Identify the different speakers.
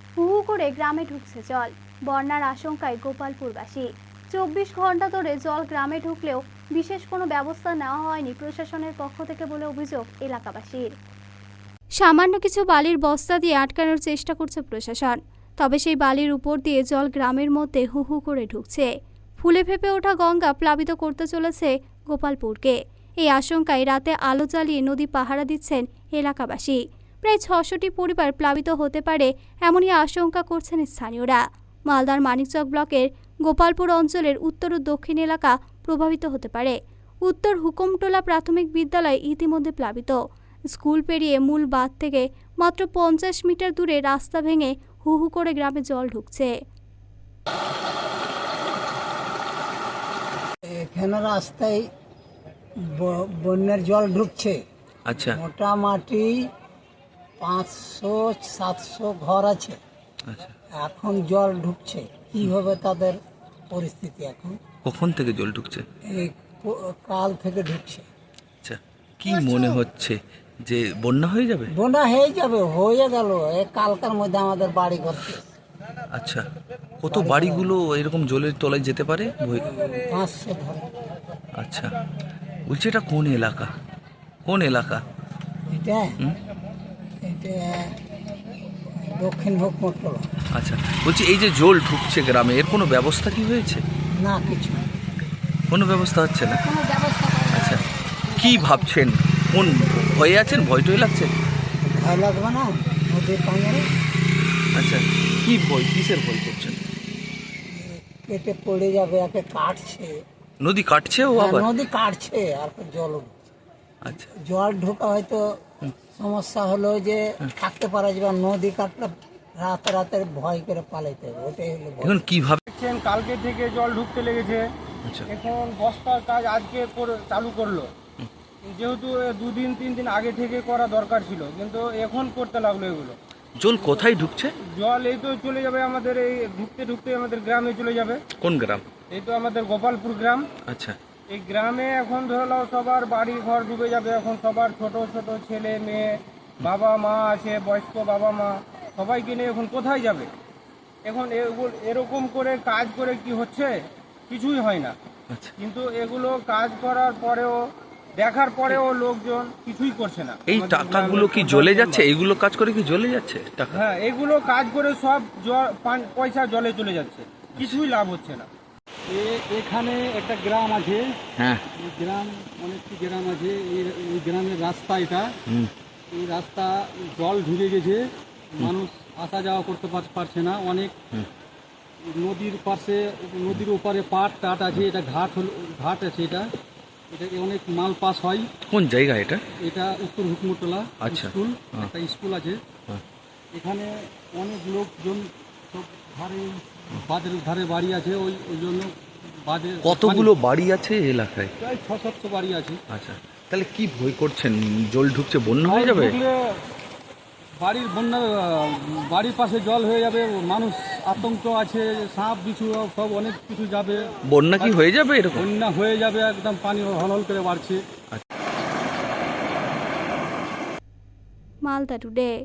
Speaker 1: হু হু করে গ্রামে ঢুকছে জল। বন্যার আশঙ্কায় গোপালপুরবাসী। 24 ঘন্টা ধরে জল গ্রামে ঢুকলেও বিশেষ কোনো ব্যবস্থা নেওয়া হয়নি প্রশাসনের পক্ষ থেকে বলে অভিযোগ এলাকাবাসীর। সামান্য কিছু বালির বস্তা দিয়ে আটকানোর চেষ্টা করছে প্রশাসন, তবে সেই বালির উপর দিয়ে জল গ্রামের মধ্যে হু হু করে ঢুকছে। ফুলে ফেঁপে ওঠা গঙ্গা প্লাবিত করতে চলেছে গোপালপুরকে। এই আশঙ্কায় রাতে আলো জ্বালিয়ে নদী পাহারা দিচ্ছেন এলাকাবাসী। প্রায় 600টি পরিবার প্লাবিত হতে পারে এমনই আশঙ্কা করছেন স্থানীয়রা। মালদার মানিকচক ব্লকের গোপালপুর অঞ্চলের উত্তর ও দক্ষিণ এলাকা প্রভাবিত হতে পারে। উত্তর হুকুমটোলা প্রাথমিক বিদ্যালয় ইতিমধ্যে প্লাবিত। স্কুল পেরিয়ে মূল বাঁধ থেকে মাত্র 50 মিটার দূরে রাস্তা ভেঙে হু হু করে গ্রামে জল ঢুকছে।
Speaker 2: এখানে রাস্তায় বন্যার জল ঢুকছে।
Speaker 3: আচ্ছা
Speaker 2: মোটামুটি 500-700 ঘর আছে।
Speaker 3: আচ্ছা,
Speaker 2: এখন জল ঢুকছে, কি হবে তাদের পরিস্থিতি এখন?
Speaker 3: কখন থেকে জল ঢুকছে?
Speaker 2: এই কাল থেকে ঢুকছে।
Speaker 3: আচ্ছা, কি মনে হচ্ছে যে বন্যা হয়ে যাবে?
Speaker 2: বন্যা হয়ে গেল এই কালকার মধ্যে আমাদের বাড়ি ঘর।
Speaker 3: আচ্ছা, কত বাড়িগুলো এরকম জলের তলায় যেতে পারে?
Speaker 2: 500 ঘর।
Speaker 3: আচ্ছা, বলছি এটা কোন এলাকা? কোন এলাকা?
Speaker 2: এটা এটা দক্ষিণ হুকুমটোলা।
Speaker 3: আচ্ছা, বলছি এই যে জল ঢুকছে গ্রামে, এর কোনো ব্যবস্থা কি হয়েছে?
Speaker 2: না, কিছু
Speaker 3: কোনো ব্যবস্থা হচ্ছে না।
Speaker 2: কোনো ব্যবস্থা
Speaker 3: আচ্ছা, কি ভাবছেন? কোন ভয়ে আছেন? ভয় টয় লাগছে?
Speaker 2: ভয় লাগবে না নদীর পাঙ্গারে?
Speaker 3: আচ্ছা, কি ভয়, কিসের ভয় করছেন?
Speaker 2: কেটে পড়ে যাবে, একে কাটছে।
Speaker 3: নদী কাটছে ও আবার?
Speaker 2: নদী কাটছে আর জল উঠছে।
Speaker 3: আচ্ছা,
Speaker 2: জল ঢোকা হয়তো সমস্যা হলো যে থাকতে পারা যাবে, নদী কাটলে রাতে ভয় করে পালাইতে হবে, ওটাই হলো ভয়।
Speaker 3: এখন কিভাবে?
Speaker 4: দেখছেন কালকে থেকে জল ঢুকতে লেগেছে।
Speaker 3: আচ্ছা,
Speaker 4: এখন বস্তার কাজ আজকে চালু করলো, যেহেতু 2-3 দিন আগে থেকে করা দরকার ছিল, কিন্তু এখন করতে লাগলো এগুলো।
Speaker 3: জল কোথায় ঢুকছে?
Speaker 4: জল এই তো চলে যাবে আমাদের, এই ঢুকতে ঢুকতে আমাদের গ্রামে চলে যাবে।
Speaker 3: কোন গ্রাম?
Speaker 4: এই তো আমাদের গোপালপুর গ্রাম।
Speaker 3: আচ্ছা,
Speaker 4: এই গ্রামে এখন ধরে নাও সবার বাড়ি ঘর ডুবে যাবে। এখন সবার ছোট ছোট ছেলে মেয়ে, বাবা মা আছে, বয়স্ক বাবা মা, সবাইকে নিয়ে এখন কোথায় যাবে? এখন এরকম করে কাজ করে কি হচ্ছে? কিছুই হয় না।
Speaker 3: আচ্ছা,
Speaker 4: কিন্তু এগুলো কাজ করার পরেও, দেখার পরেও লোকজন কিছুই করছে না।
Speaker 3: এই
Speaker 4: আমাদের
Speaker 3: টাকাগুলো কি
Speaker 4: গ্রামের
Speaker 3: জ্বলে
Speaker 4: প্রধান
Speaker 3: যাচ্ছে?
Speaker 4: মেম্বার।
Speaker 3: এইগুলো কাজ করে কি জ্বলে যাচ্ছে টাকা?
Speaker 4: হ্যাঁ, এগুলো কাজ করে সব পয়সা জলে চলে যাচ্ছে, কিছুই লাভ হচ্ছে না। এখানে একটা গ্রাম আছে,
Speaker 3: হ্যাঁ,
Speaker 4: এই গ্রাম অনেকটি গ্রাম আছে। এই গ্রামের রাস্তা এটা, এই রাস্তা জল ঢুকে গেছে, মানুষ আসা যাওয়া করতে পারছে না। অনেক নদীর পাশে, নদীর ওপারে পাট টাট আছে, এটা ঘাট আছে। এটা অনেক মাল পাস হয়।
Speaker 3: কোন জায়গা এটা?
Speaker 4: এটা উত্তর হুকুমটোলা
Speaker 3: আচ্ছা।
Speaker 4: স্কুল,
Speaker 3: হ্যাঁ।
Speaker 4: একটা স্কুল আছে।
Speaker 3: হ্যাঁ।
Speaker 4: এখানে অনেক লোকজন সব বাঁধের ধারে বাড়ি আছে, ওই জন্য বাঁধে
Speaker 3: কতগুলো বাড়ি আছে এই এলাকায়?
Speaker 4: প্রায় 600 বাড়ি আছে।
Speaker 3: আচ্ছা, তাহলে কি ভয় করছেন? জল ঢুকছে, বন্যা হয়ে যাবে?
Speaker 4: ঢুকলে বাড়ির পাশে জল হয়ে যাবে, মানুষ আতঙ্ক আছে, সাপ বিছু সব অনেক কিছু যাবে।
Speaker 3: বন্যা কি হয়ে যাবে এরকম?
Speaker 4: বন্যা হয়ে যাবে, একদম পানি হলহল করে বাড়ছে।
Speaker 1: মালদা টুডে।